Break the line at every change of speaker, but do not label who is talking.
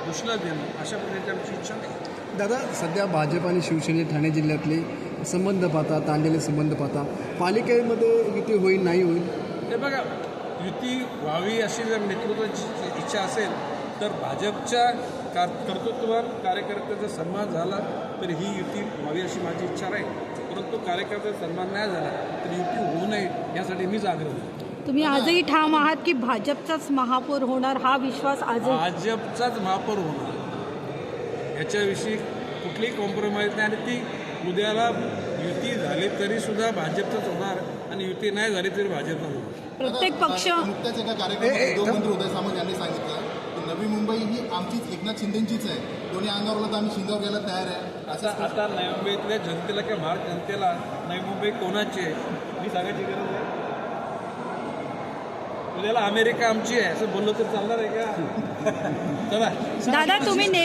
घोषणा देणं अशा प्रकारची आमची इच्छा नाही.
दादा, सध्या भाजप आणि शिवसेने ठाणे जिल्ह्यातले संबंध पाहता, ताणलेले संबंध पाहता, पालिकेमध्ये युती होईल नाही होईल?
हे बघा, युती व्हावी अशी जर नेतृत्वाची इच्छा असेल तर भाजपच्या कर्तृत्वावर कार्यकर्त्याचा सन्मान झाला तर ही युती व्हावी अशी माझी इच्छा राहील. परंतु कार्यकर्त्याचा सन्मान नाही झाला तर युती होऊ नये यासाठी मीच आग्रह करतो.
तुम्ही आजही ठाम आहात की भाजपचाच महापौर होणार, हा विश्वास आजही?
भाजपचाच महापौर होणार, याच्याविषयी कुठलीही कॉम्प्रोमाइज नाही. आणि ती उद्याला युती झाली तरी सुद्धा भाजपचंच होणार आणि युती नाही झाली तरी भाजपच होणार.
प्रत्येक पक्ष
नुकत्याच एका कार्यक्रमात उद्योगमंत्री उदय सामंत यांनी सांगितलं की नवी मुंबई ही आमचीच, एकनाथ शिंदेचीच आहे. दोन्ही अंगावरला तर आम्ही शिंगावर घ्यायला तयार आहे.
आता नवी मुंबईतल्या जनतेला किंवा महाराष्ट्र जनतेला नवी मुंबई कोणाची आहे मी सांगायची गरज आहे? उद्याला अमेरिका आमची आहे असं बोललो तर चालणार आहे का? चला
दादा, तुम्ही